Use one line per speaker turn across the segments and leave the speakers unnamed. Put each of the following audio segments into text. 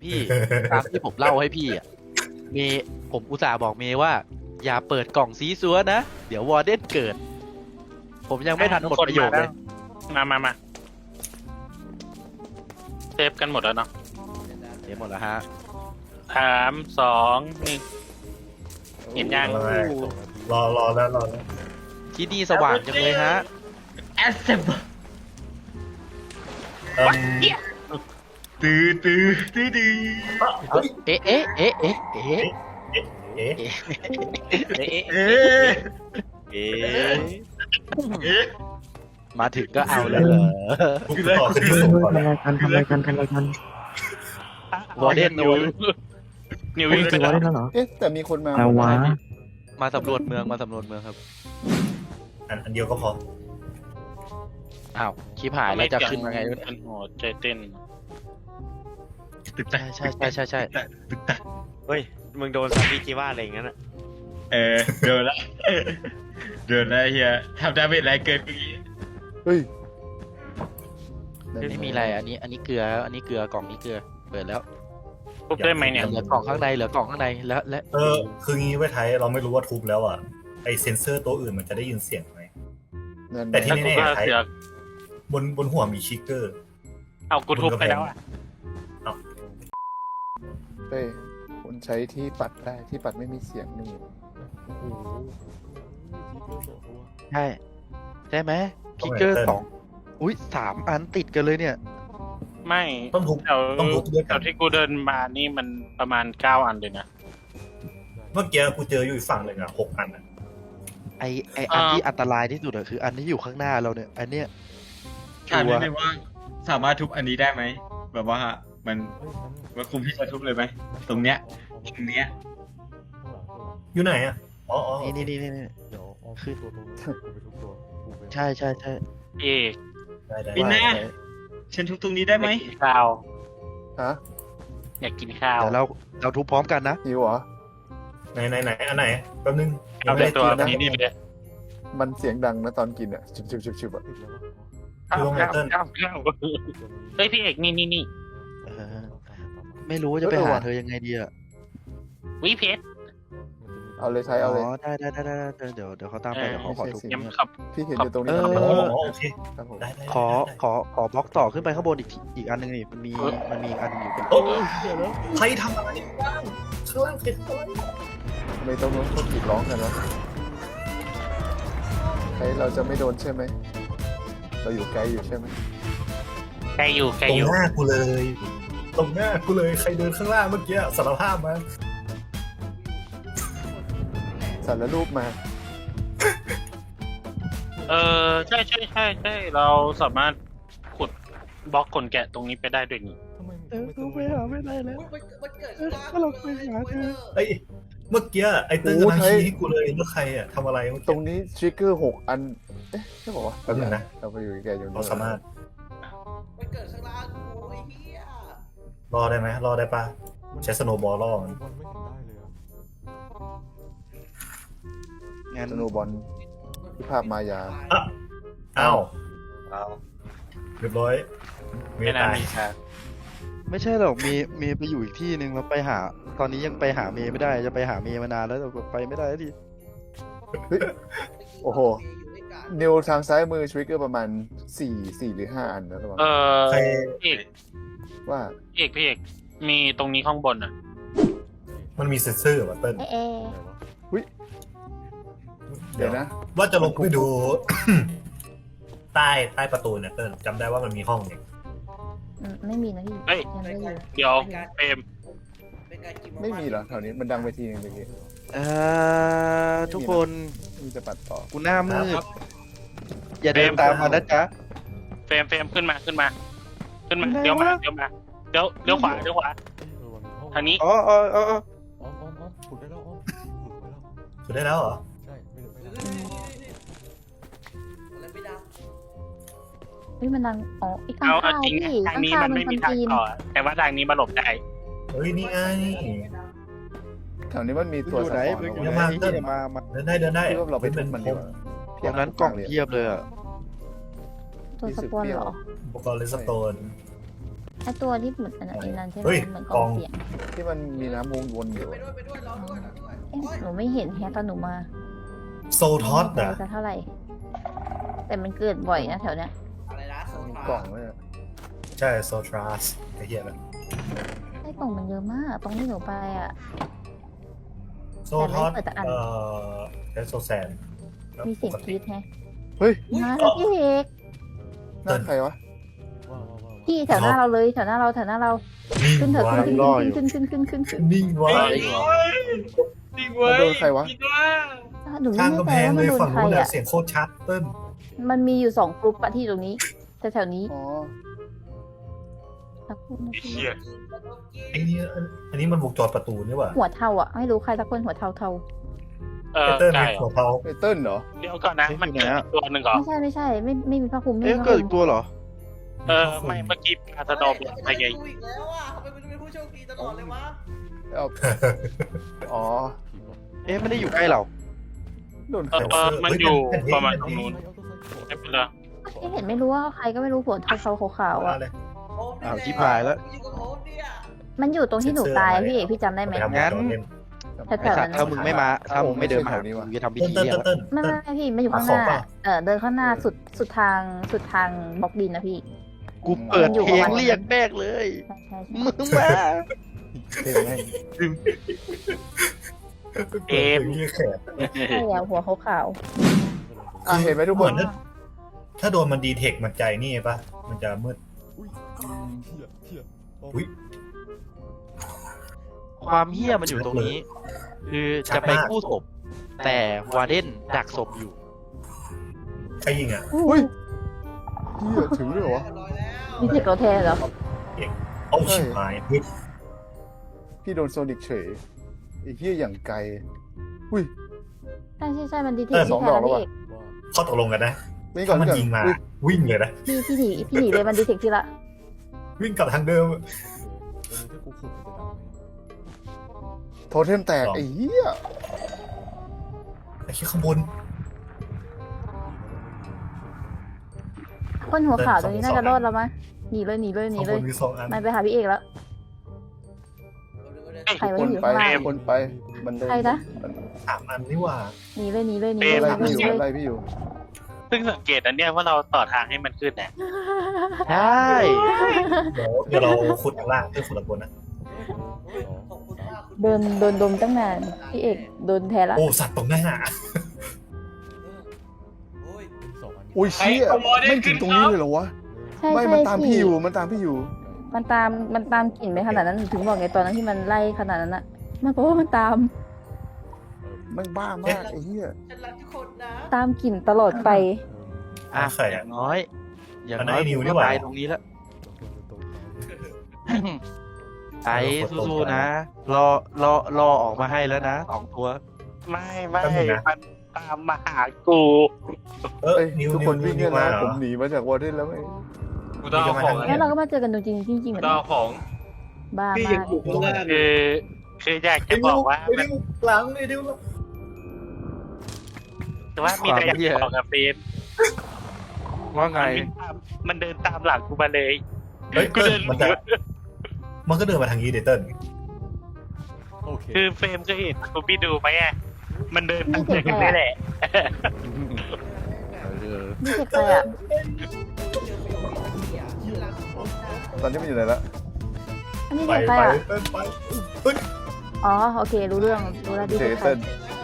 พี่ตามที่ผมเล่าให้พี่อ่ะเมย์ผมอุตส่าห์บอกเมย์ว่า อย่าเปิดกล่องซีซัวนะ เดี๋ยววอร์เดนเกิด ผมยังไม่ทันหมดประโยคเลย
มาเซฟกันหมดแล้วเนาะ
เดี๋ยวหมดแล้วฮะ
3 2 1 เห็นยัง
รอแล้ว
ที่นี่สว่างจังเลยฮะ
แอสเซม
ตื้อ
เอ๊ะเอ๊ะเอ๊ะเอ๊ะเอ๊ะ
เอ๊ะ
มาถึงก็เอาเลยเหรอ
กูต่อขึ้นที่สูงก่อน
ทำอะไรกัน
วอร์เดนนะเว้ย
นิว
เฮ้ย
วิ่ง
จะ
ไป
วอ
แล้ว
ได้แล้วเหรอ
เอ๊ะแต่มีคนมา
เอาวะ
มาสำรวจเมืองครับ
อันเดียวก็พอ
อ้าวชิบหายแล้วจะขึ้นมาไงเนี่ย
เป็นหัวใจเต้น
ใช่
เฮ้ย มึงโดนซาบิจิว่าอะไรอย่างนั้นอ่ะ
โดนละเฮียทำดาเมจแรงเกินเมื่อกี้
เฮ้ย
ไม่มีอะไรอันนี้เกลืออันนี้เกลือกล่องนี้เกลือเปิดแล้ว
ทุบได้ไหมเนี่ย
เหลือกล่องข้างในและ
คืองี้ไว้ไทยเราไม่รู้ว่าทุบแล้วอ่ะไอเซนเซอร์ตัวอื่นมันจะได้ยินเสียงไหม แต่ที่
แล้วกู
แน่
ก็
ๆไทย
เสือก
บนหัวมีชิกเกอร์
เอากูทุบไปแล้วอ่ะ
เฮ้ยคุณใช้ที่ปัดได้ที่ปัดไม่มีเสียงนี่
ใช่ไหมพิกเกอร์2 อุ้ย3 อันติดกันเลยเนี่ย
ไม่
ต้องทุบ
แถว
ต้องทุบด้วย
แถ
กัน
วที่กูเดินมานี่มันประมาณ9 อันเลยนะ
เมื่อกี้กูเจออยู่อีกฝั่งหนึ่งอ่ะ6 อันอ่ะ
ไออันที่อันตรายที่สุดอะคืออันที่อยู่ข้างหน้าเราเนี่ย อันเนี้ย
ถามนิดนึงว่าสามารถทุบอันนี้ได้ไหมแบบว่ามันคุมที่จะทุบเลยไหมตรงเนี้ย
อยู่ไหนอ่ะอ๋อ
นี่คือใช่
เอก
ได้
ปินแน่ฉันทุบตรงนี้ได้ไหม
อยากกินข้าว
ฮะ
อยากกินข้าว
เดี๋ยวเราทุบพร้อมกันนะ
หิวเหรอ
ไหนอันไหนแป๊บนึง
เอาเป็นตัว
ไม่ได้กินนะ
นี้เลย
มันเสียงดังนะตอนกินอ่ะชิบอ่ะ
คือลงไนเติ้ล
ข้าวเฮ้ยพี่เอกนี่
เออไม่รู้ว่าจะไปหาเธอยังไงดีอะ
วิเพชร
เอาเลยใช้เอาเลย
ได้เดี๋ยวเขาตามไปเดี๋ยวเขาขอทุบ
ยังขับ
พี่เห็นอยู่ตรงนี้
เอ
ครับ
โอเค
ครับผม
ได้
ขอบล็อกต่อขึ้นไปข้างบนอีกอันหนึงนี่มันมีอีกอันหนึงอยู่
โอ้ใครทำอะไรบ้างข้างล่างใครทำอะไร
ทำไมต้องกรีดร้องกันวะใครเราจะไม่โดนใช่ไหมเราอยู่ไกลอยู่ใช่ไหม
ไกลอยู่
ตรงหน้ากูเลยใครเดินข้างล่างเมื่อกี้สารภาพมา
สารรูปมา
ใช่เราสามารถขุดบล็อกขนแกะตรงนี้ไปได้ด้วยนี่
กูไปหาไม่ได้แล้วถ้าเราไปหาเธอ
เอ้ยเมื่อกี้ไอ้เติ้ลกำลังชี้ให้กูเลยว่าใครอ่ะทำอะไรเมื่อ
ตร
กี้
งนี้ทริกเกอร์6 อันเอ๊ะใช่บอกว่า
แป๊บนึงนะ
เราไปอยู่แกอยู่
เราสามารถ
มันเกิดข้างล่างกูไอ้เหี้ย
รอได้ไหมรอได้ปะใช้สโนว์บอลล่อมัน
งั้น
สโนบอลที่ภาพมายา
อ้าวเรียบร้อยเมี
ไม่
ย
น่า
ตาย
มีครับ
ไม่ใช่หรอกเมย์ไปอยู่อีกที่หนึ่งแล้วไปหา ตอนนี้ยังไปหาเมย์ไม่ได้จะไปหาเมย์มานานแล้วแต่ไปไม่ได้สักที
โอ้โห นิวทางซ้ายมือทริกเกอร์ประมาณ4 หรือ 5 อันนะระวัง
ใคร
พี่เอก
ว่า
พี่เอกมีตรงนี้ข้างบนอ่ะ
มันมีเซนเซอร์ว่ะเติ้ล
เดี๋ยวนะ
ว่าจะลงไปดู ใต้ประตูเนี่ยเติ้ลจำได้ว่ามันมีห้องเนี่ย
ไม่มีนะพี่
เฮ้ย
ยังไม่อยู่
เดี๋ยวเปรม
เป็นการกิน
ไม่มีเหรอแถวนี้มันดังไปทีนึงเมื่อกี้
ทุกคน
มีจะปัดต่อ
กูหน้ามืดอย่าเดินตามมานะจ๊ะ
เฟรมขึ้นมาเดี๋ยวขวาทางนี้
อ๋อ
สุดได้แล้วเหรอ
อะไรไม่ดัง
เฮ้ยมันดังอ๋ออีกข้าง
เอา
ข้าว
จริง
พี่
ทาง
ข้าง
นี้
ข้าว
มัน
มัน
ไม่
ค
มี
น
ทาง
จีน
ต่อแต่ว่าทางนี้มาหลบได้
เฮ้ยนี่ไง
แถวนี้มันมีตัว
อยู่ไหน
สะท้อน
อยู่
เหรอ
ไหน
วะ
ที่มา
เดินได้
คิดว่าเราไปทุบมันดีกว่า
ตรงนั้นกล่องเทียบเลยอ่ะ
ตัวสปอนเหรอ
อุปกรณ์เลสโตน
ไอตัวที่เหมือนอันนั้นใช่ไหม
เฮ้ย
เหมือนก
ก
อ
อง ง
เสียง
ที่มันมีน้ำวนๆอยู่
ไปด้วยไปด้วยรอด้วยรอด้วย
เอ๊ะหนูไม่เห็นแฮะตอนหนูมา
โซทอส
ไม่
อ่ะ
รู้จะเท่าไหร่ แต่มันเกิดบ่อยนะแถวเนี้ย
อะไรนะโซ
มี
ฟาก
ล่องเลยอะ
ใช่โซทรัสไอ้เหี้ยนะ
ไอ้กล่องมันเยอะมาก ตรงที่หนูไปอ่ะ
โซทอส
แต่ไม่เปิดแต่อัน
เอสโซแซนแล้ว
มี
ป
เสียง
ก
ก
ติ
รี๊ดแฮะ
เฮ้ย
มาแล้วพี่เอก
หน้าใครวะ
พี่แถวหน้าเราเลยแถวหน้าเรา
นิ่ง
ขึ้นเถอะ
ไว้
ขึ้นขึ้น
นิ่งไว้
จริงเว้ย
มันโดนใครวะ
จริงว่า
หนูไม่
ข้าง
แน่
กำ
ใจ
แพง
ว่า
เล
มัน
ย
โดน
ฝั่ง
ใคร
นู้นน่ะ
อ่ะ
เสียงโคตรชัดเติ้ล
มันมีอยู่2กรุ๊ปอะที่ตรงนี้แต่แถวนี้
อ๋อ
สักคนนะ
ไอ้
พี่
เหี้ย
ไอ้นี่อันนี้มันวงจรประตูนี่หว่า
หัวเทาอ่ะไม่รู้ใครสักคนหัวเทา
เออ
เติ้ล
ไก่
มีหัวเทา
ไอเติ้ลเหรอ
เดี๋ยวก่อนนะมันเกิดอีกตัวหนึ่งเหรอ
ไม่ใช่ไม่มีผ้าคลุมไม่
เอ๊ะ
มีผ้า
เกิด
คลุ
อี
ม
กตัวเหรอ
เออไม่เมื่อกี้ปลาสะดอมอะไรไง
ดูอีกแล้วอ่ะทำไมมันเป็นผู้โชคดีตลอดเลยวะ
เอาอ๋อ
เอ๊ะไม่ได้อยู่ใกล้เรา
โดนใค
เอ
ร
อ
วะ
มันอยู่ประมาณตรงนู้นไม่เป็นไร
ที่เห็นไม่รู้ว่าใครก็ไม่รู้หัวเทาๆขาวๆอ่ะ
เลย
โอ้มนี่
อ้าว
แหละ
ชิบหายแล้ว
อยู่กับโอ้มเนี่ย
มันอยู่ตรงที่หนูตายอะพี่เอกพี่จำได้ไหม
ไปทำวงจรเล่น
แถ
ไอ้
วๆ
สั
นั้
ต
น
ว์ถ้ามึงไม่มาถ้ามึงไม่เดินมาหากูจะทำพิ
เติ้ล
ธี
เติ้ล
เรียก
เติ้ล
ไม่พี่มันอยู่ข้างห
ขอ
น้า
เปล่า
เดินข้างหน้าสุดทางบล็อกดินนะพี่
กูเปิดเพลงเรียกแม่งเลย
ใช่
มึงมา
เพลงแม่ง
เอ็มนี่แขก
ใช่แล้วหัวขาว
อ่ะเห็นไหมทุกคน
ถ้าโดนมันดีเทคมันใจนี่ปะมันจะมืด อุ้ย
ความเฮี้ยมันอยู่ตรงนี้ คือจะไปกู้ศพ แต่วาเดนดักศพอยู่
ใครยิงอ่ะ
ๆอู้
เฮ้ยเหี้ยถึงด้วยเหรอวะ
เรียบร้อยแล้ว
มีเทคเราแทนเหรอ
เอาชิบหายเฮ้ย
พี่โดนโซนิกเฉยไอ้เหี้ยอย่างไกลอุ้ย
ใช่มันดีเทค
สอง
ที่
ด
แท
อก
น
แล้ว
พี่
วะ
เอก
ข้อตกลงกันนะ
นี่ก่อ
ถ้าน มัน
ก่อน
ยิงมา
อุ๊ย
วิ่งเลยนะ
พี่หนีเลยมันดีเทคที่ละ
วิ่งกลับทางเดิม
โทเทมแตกไอ้เหี้ย
ไอ้ขี้ข้างบน
คนหัวขาวตรงนี้น่าจะรอดแล้วมั้ยหนีเลย
ข้างบนมี2 อัน
มันไปหาพี่เอกแล้ว ใครวะ
คน
อยู่
ไป
ข้างล่าง
คนไปมันเดิน
ใครนะ
3 อันนี่หว่า
หนีเลย
ไล่พี่อยู่ไล่พี่อยู่
ซึ่งสังเกตอันเนี้ยว่าเราต่อทางให้มันขึ้นนะ
ใช่
เดี๋ยวเราขุดข้างล่างเพื่อขุดข้างบนนะ
ขอบคุณมากคุณ
โดนดมตั้งนานพี่เอกโดนแทนละ
โอ้สัตว์ตรงหน้า
โอ้ย
อุ้ยเชี่ยไม่ถึงตรงนี้เลยเหรอวะ
ใช่
ไม่
ใช่
มันตามพี่
พี่
อยู่มันตามพี่อยู่
มันตามกลิ่นไปขนาดนั้นถึงบอกไงตอนนั้นที่มันไล่ขนาดนั้นอะมันเพราะว่ามันตาม
มันบ้ามากไอ้เหี้ย
ฉันรักทุกคนนะ
ตามกลิ่นตลอดไป
อ่ะ
ใคร
อ
อ่ะ
ย่างน้อย อย่าง
อันนั้
น้
น
อย
ไอ้นิว
กู
นี่
ก็
หว่า
ตายตรงนี้แล้ว ไอ้สู้ๆนะ รอออกมาให้แล้วนะ2 ตัว
ไม่มันตามมาหากู
เอ้
เอ้
ย
ย
นิว
ทุกคนวิ่ง
นิ
เนี่
วย มา
นะ
เหร
ผ
อ
มหนีมาจากวอร์เดนแล้วไอ้
กูต้องเอาของ
แล้วเราก็มาเจอกันจริงๆเหมือน
ต้องเอาของ
บ้า
พี่
มา
ยัง
ก
อยู่ข้างล่าง
คืออยากจะบอกว่า
ไอ้นิวหลังไอ้นิว
แต่ว่ามีแต่อยากบอกกับเฟรม
ว่าไง
มันเดินตามหลังกูมาเลย
เฮ้ย
กู
เติ้
เดิ
ล
น
มันก็เดินมาทางนี้เดเติ้ล
คือเฟรมเคยเห็นกูพี่ดูไหมอ่ะมันเดินตามอย่างนี้แหละ
นี่เทคใครอะ
ตอนนี้มันอยู่ไหนละ
อันนี้
ไป
เทคใคร
ไป
อะ
เติ้ลไปเฮ้ย
อ๋อโอเครู้เรื่องรู้แล้วดี
เจ
เทคใคร
เติ้ล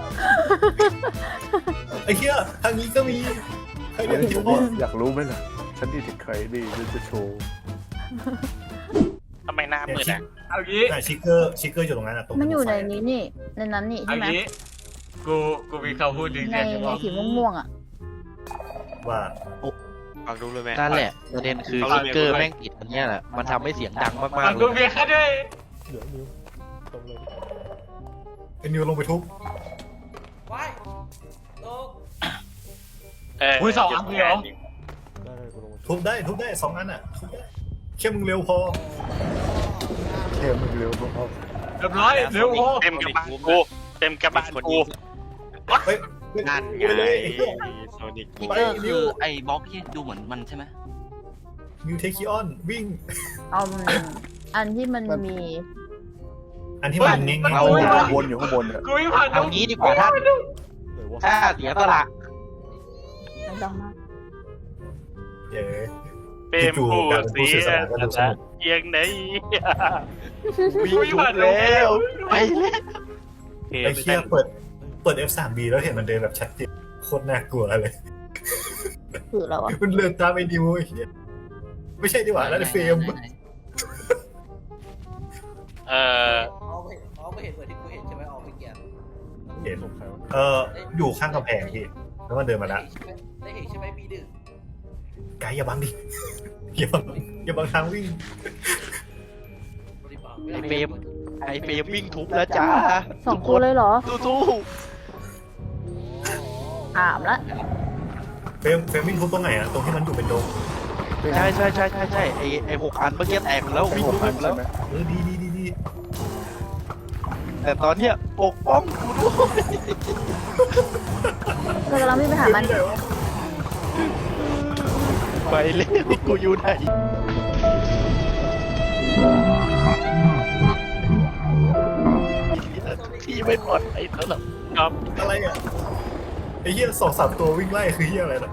ไอ้เหี้ยทางนี้ก็มีใครเดินอยู่
อยากรู้ไหมล่ะฉันดีถึงใครดีจะโชว์
ทำไมหน้ามืดอ่ะ
เอางี้
ชิกเกอร์อยู่ตรงนั้นอ่ะตรง
มันอยู่ในนี้นี่ในนั้นนี่
เอา
ใช่ไหม
งี้กูมีคำพูดหนึ่ง
ใน
อยากจะบอก
สีม่วงๆอะ
ว่า
ฟังดูเลยไหม
นั่นแหละประเด็นคือสติ๊กเกอร์แม่งติดอันเนี้ยแหละ มันทำให้เสียงดังมาก
ฟั
ๆ
ง
เล
ดู
ย
เมียแค่ด้วย
ไอ้นิวลงไปทุบ
ไว้ตก
อุ้ย2 อันเลยเหรอ
ทุบได้2 อันอ่ะทุบได้แค่มึงเร็วพอ
เทมมันเร็วพอ
เรียบร้อยเร็วพอ
เต็มกระบาลกูเต็มกระบาลกู
เฮ้ย
นั่นไงโซนิก
ไป
ก็คือไอ้บล็อกที่ดูเหมือนมันใช่ไหม
มิวเทคิออนวิ่ง
เอาอันที่มันมี
อันที่มันง่าย
เอา
ๆ
ข้างบนอยู่ข้างบนเนี่ย
กูไม่ผ่าน
เอางี้ดีกว่าท่านถ้าเสียสละ
ไม่ต้องมาก
เย้
เปรมพูดเสียแต่เอียงไหน
วิ่งทุบแล้วไปแล้ว
ไอ้เชี่ยเปิด F3B แล้วเห็นมันเดินแบบชัดเจนโคตรน่ากลัวเลย
คือเราอะ
มันเดินตามไอ้นิวไอ้เหี้ยไม่ใช่ดีกว่าแล้วไอ้เฟรม
เอาไม่เห็นเหมือนที่กูเห็นใช่ไหมเอาไปเกียร์
เห็นอยู่ข้างกำแพงพี่แล้วมันเดินมาแล้ว
ได้เห็นใช่ไหมมีดึก
ไกด์อย่าบังดิอย่าบังทางวิ่ง
ไอเฟรมวิ่งทุบแล้วจ้า
2 ตัวเลยเหรอ
สู้
ถามละ
เฟรมวิ่งทุบตรงไหนอะตรงที่มันอยู่เป็นโดม
ๆใช่ไอ6 อันเมื่อกี้แตกหมดแล้ววิ่งทุบหมดแล้ว
ดี
แต่ตอนเนี้ยปกป้องกูด้วย
เรากำลังวิ่งไปหามัน
ไปเลยกูอยู่ไหนที่ไม่ปลอดภัยแล้วหรอก
ครับ
อะไรอะไอ้เหี้ย2-3 ตัววิ่งไล่คือเหี้ยอะไรนะ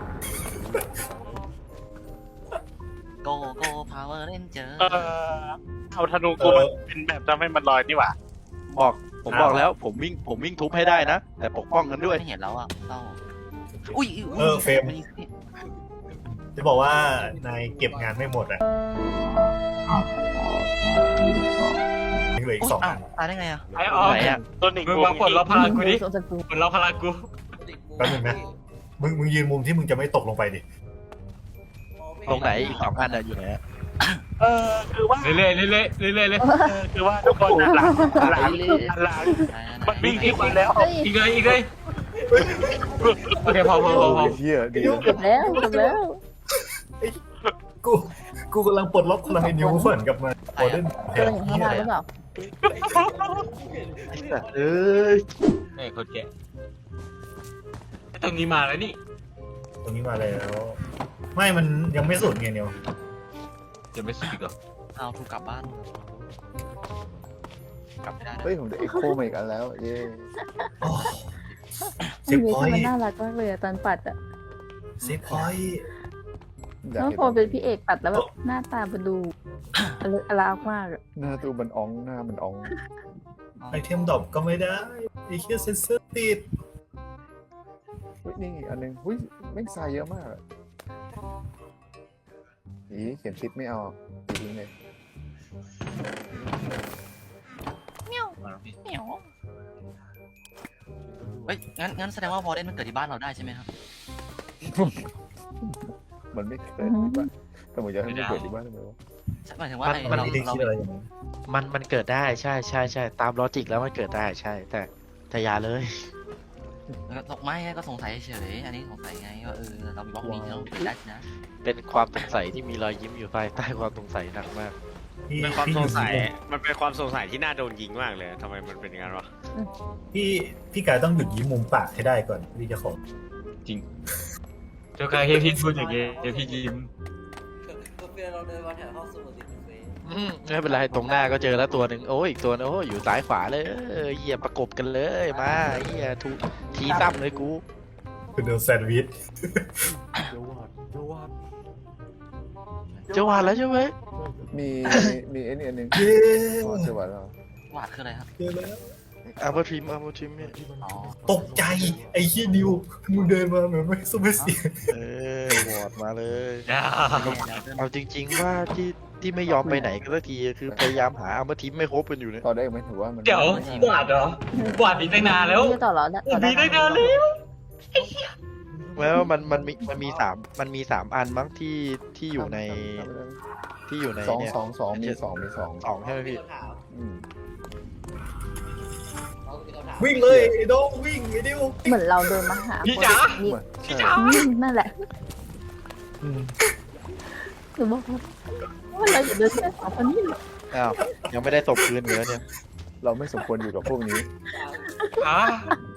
โกพาวเวอร์เรนเจอร์
เอาธนูกูมันเป็นแบบทำให้มันลอยนี่หว่า
ผมบอกแล้วผมวิ่งทุบให้ได้นะ แต่ปกป้องกันด้วย
ไม่เห็นแล้วอ่ะเต้าอุ้ย
เฟรมจะบอกว่านายเก็บงานไม่หมดอะยังเหลืออีก2 อัน
ตายได้ไงอ่ะ
ไอ้ออก
ไหนอะ
ตัวหนึ่ง
มึง
กู
มาปลดล็อกพลังกูดิ
สงสารกู
ปลดล็อกพลังกู
แป๊บนึงนะ มึงยืนมุมที่มึงจะไม่ตกลงไปดิ
ตรงไหนอีก2 อันอะอยู่ไหนอะ
คือว่า
เรื่อยๆเรื่อยๆเรื่อยๆเลย
คือว่าทุกคนหลังมันวิ่งที่มันแล้ว
เฮ้ย
อีกเลยอีกเลยโอเคพอ
โอ้ยเฮียดี
เกือบแล้ว
กูกำลังปลดล็อกพลังไอ้นิ้วเหมือนกับมันโอเดนแท
ตัวน อย่างข้างล่างหรือเปล่า
เอ้ย
ไอ้คนแก่ตรงนี้มาแล้วนี่
ตรงนี้มาแล้ว ไม่มันยังไม่สุดไงนิว
จะไม่สุดอีกเหรอ
เอาถูกกลับบ้าน กลับไม่ได้นะ
เฮ้ยผมได้เอ็กโคมาอีกอันแล้วเย้
เซฟ
มี
พอย
มัน
ต์
น่ารักมากเลยอะตอนปัดอะ
เซฟพอยต์
อยาก
น้อง
เห็น
พอเป็นพี่เอกปัดแล้วแบบหน้าตามันดูอลามมากอะ
หน้าตูมันอ่องหน้ามันอ่อง
ไอเทมดรอปก็ไม่ได้ไอเคียเซนเซอร์ติด
เฮ้ยนี่อันนึงหุ้ยแม่งทรายเยอะมากอะอีเขียนติดไม่เอาติดทิ้งเลย
เฮ้ยงั้นแสดงว่าวอร์เดนมันเกิดที่บ้านเราได้ใช่ไหมครับ
มันไม่เกิดที่บ้านแต่ผมอยากให้มันเกิดที่บ้านทำไมวะ
หมายถึงว่า
มัน
เรา
ไม่ได้คิดอะไรอย่างนั้น
มันเกิดได้ใช่ตามลอจิกแล้วมันเกิดได้ใช่แต่อย่าเลย
ไม่ก็สงสัยเฉยอันนี้สงสัยไงว่าเรามีบล็อกนี้ที่เราเกิดได้นะ
เป็นความสงสัยที่มีรอยยิ้มอยู่ภายใต้ความสงสัยหนักมาก
พี่
เป็นความสงสัย
พี่
มันเป็นความสงสัยที่น่าโดนยิงมากเลยทำไมมันเป็นอย่างนั้นวะ
พี่กายต้องหยุดยิ้มมุมปากให้ได้ก่อนพี่จะขอ
เจ้าการเฮียพี่พูดอย่างเงี้ยเฮียพี่ยิ้ม
ก็เพื่อนเราเดินมาแถวห้องสมุดติดเฟซ
ไม่เป็นไรตรงหน้าก็เจอแล้วตัวหนึ่งโอ้ยอีกตัวนึงโอ้ยอยู่ซ้ายขวาเลยเหี้ยประกบกันเลยมาเหี้ยทีซ้ำเลยกู
คือเดินแซนด์วิช
จะหวานแล้วใช่ไหม
มีไอ้นี่อันนึง
เย้
อ๋อเจอหวานแล้ว
วาดคืออะไรครับ
เจอแล้ว
เอามาทิมเนี่ย
อ๋อ
ตกใจไอ้ขี้ยนิวมึงเดินมาเหมือนไม่สู้ไม่เสียง
วอดมาเลย
อย่า
เอาจริง ๆว่าที่ไม่ยอมไปไหนกันสักทีคือพยายามหาเอามาทิมไม่ครบกันอยู่เนี่ย
ต่อได้ไหมถือว่ามัน
เดี๋ยวบาดเหรอ บาดอีกตั้งนานแล้ว
ไม่ต่อเหรอต่อได้
มีตั้งนานแล้ว
แล้วมันมีสามอันมั้งที่อยู่ใน
สอง
เนี่ย
สองมีสอง
สองใช่ไหมพี่
อืม
วิ่งเลยไอ้โดงวิ่งไอ้ดิว
เหมือนเราเดินมาหา
พี่จ๋า
นี่
ใช่
นั่นแหละหนูบอกว่าเราอย่าเดินแค่สองคนนี้หรอก
อ้าวยังไม่ได้ตบคืนเหลือเนี่ย
เราไม่สมควรอยู่กับพวกนี้
อ่ะ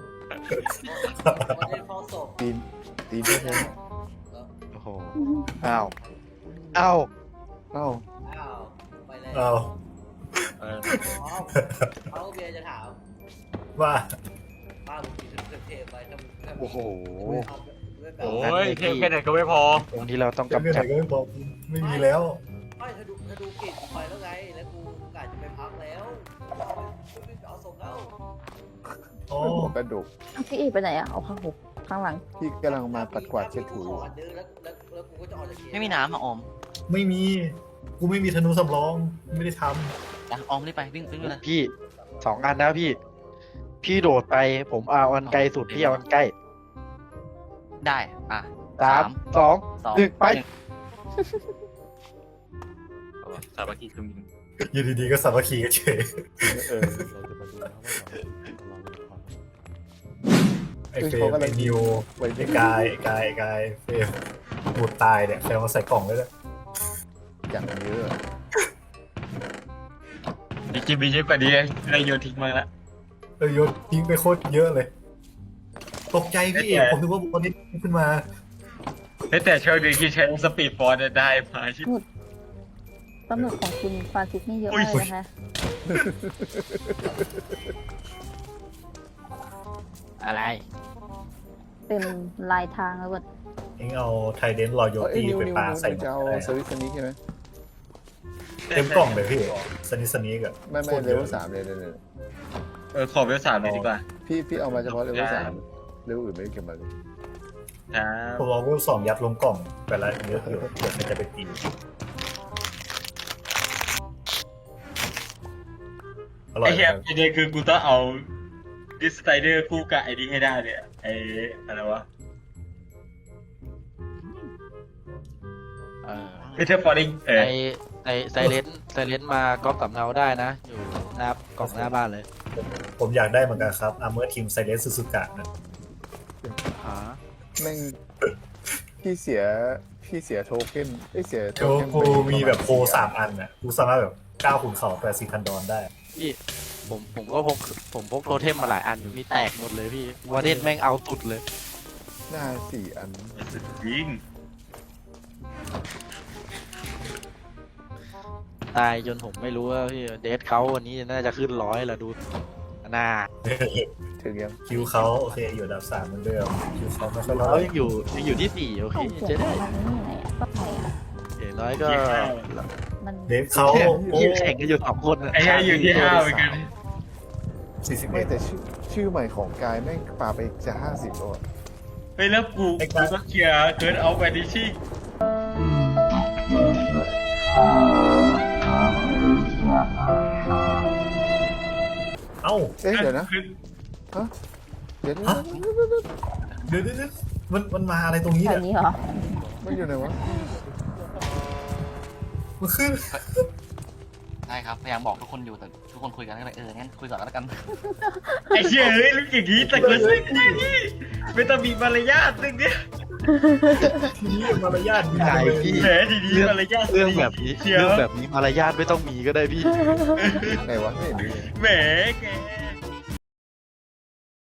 วันนี้ห้องศพ
ตีนแท้
โอ้โหอ้าว
เอ้า
อ้าวไปแล้ว
เอา
เออ
เขาเบียร์จะถาม
ว่า
ป้ามึงกินเทปไปถ้า
โอ้โห
โอ้ยเทปแค่ไหนก็ไม่พอ
ตรงที่เราต้อง
จะ
กำ
เรื่องไหน
จัด
ก็ไม่บอกไม่มีแล้ว
ไม่ถ้าดูกลิ่นไปแล้วไงแล้วกูกะจะไปพักแล้วไม่เอาส่งแล้ว
อ๋อ
หัวกระดูก
พี่เอกไปไหนอะเอาข้างหุบข้างหลัง
พี่กำลังมาปัดกวาดเช็ดถูอยู่
แล้วกูก็จะออกจากเกม
ไม่มีน้ำอ่ะออม
ไม่มี กูไม่มีธนูสำรอง ไม่ได้ท
นะออมรีบไปวิ่งไปเลย
พี่2 อันนะพี่ พี่โดดไปผมเอาอันไกลสุดพี่เอาอันใกล้
ได้อ่ะ
3 2
สอง
1ไป
สามัคคีคือมี
ำอยู่ดีๆก็สามัคคีกันเฉย
เออ
ไอ้เฟรมไอ้นิวไอ้กายเฟรมบูดตายเนี่ยใครเอามาใส่กล่องเลยเนี่ย
อย่างเยอะ
จริงๆมีเยอะกว่านี้ได้โยนทิ้งมาละ
โยนทิ้งไปโคตรเยอะเลย ตกใจพี่เอกผมนึกว่าตอนนี้ขึ้นมา
แต่โชคดีที่ใช้สปีดฟอร์ดได้มาชิ
ปลาหมึกของคุณฟรานซิสนี่เยอะมากเลยนะคะ
อะไร
เต็มลายทางแล้วเว้ย
เองเอาไทเดนรอโย
เอ้ย
ตี้
นิว
ไป
นิว
ปา
นิว
ใส่
จะเอาสวิตช์นี้ใช่ไหม
เต็มกล่องเลยพี่สนิกอะ
ไม่เลเวล3เลย
ขอเวล3เลยดีกว่า
พี่เอามาเฉพาะเลเวล3เลเวลอื่นไม่ได้เก็บมาเลย
ครับ
ผมเอาเวลสองยัดลงกล่องไปละเยอะอยู่เดี๋ยวมันจะไปตีอร่อ
ไอ้
ย
เหี้ย
ครับ
ประเด็นคือกูต้องเอาดิสไตเดอร์คู่กับไอ้นี่ให้ได้เนี่ยไอ้อะไรวะ เอเทอร์ฟอร์ดิง
ไซเลนมาก๊อปสำเนาได้นะ อยู่หน้ากล่องหน้าบ้านเลย
ผมอยากได้เหมือนกันครับอาร์เมอร์ทีมไซเลนซูซูกะนะ
อ๋อ
แม่งพี่เสียโทเค็นเสียโท
โอ้
เค็น
กูมีแบบโค3 อันน่ะกูสามารถแบบก้าวขุนเขา80,000 ดอลได้
พี่ผมก็พกโทเทมมาหลายอันอยู่พี่แตกหมดเลยพี่วอเดนแม่งเอาสุดเลย
หน้า4 อัน
ยิง
ตายจนผมไม่รู้ว่าพี่เดทเขาวันนี้น่าจะขึ้น100แล้วดูหน้า
ถึงยัง
คิวเขาโอเคอยู่อันดับ3เหมือนเดิมคิวเขาไม่ค่อย
เขา
ร้อย
ยังอยู่ที่4โอเค
ส่งเสีย
จะ
ง
ได้
มันนี่ไหนอะก็ไหนอะ
อย่างน้อยก็
มัน
เดฟเขาโอ้
ที่แข่งกันอยู่2 คนอะ
ไอ้เหี้ยอยู่ที่5เหมือนกัน
ไม่แต่
41
ชื่อใหม่ของกายแม่งปาไปจะ50แล้วอะ
เฮ้ยแล้วกูต้องเคลียร์เกินเอาไปดิชิ่ง
เอ้า
เอ๊ะเดี๋ยวนะเดี๋ยว
เดี๋ยวมันมาอะไรตรงนี้
แถ
เนี่
วย นี้เหรอ
มันอยู่ไหนวะ
มันขึ้น
ใช่ครับพยายามบอกทุกคนอยู่แต่ทุกคนคุยกันก็เลยงั้นคุยก่อนแล้วกัน
ไอ้เหี้ยเฮ้ยลูกอย่างนี้แต่ก็ซึ่งได้นี่ไม่ต้องมีมารยาทเรื่องเนี้ย
ทีนี้มารยาทดี
ใช่
เลย
พี่
แหมทีนี้มารยาท
เรื่องแบบนี้
เชียว
เรื่องแบบนี้มารยาทไม่ต้องมีก็ได้พี่
ไหนวะไม่เห็นมีเลย
แหมแก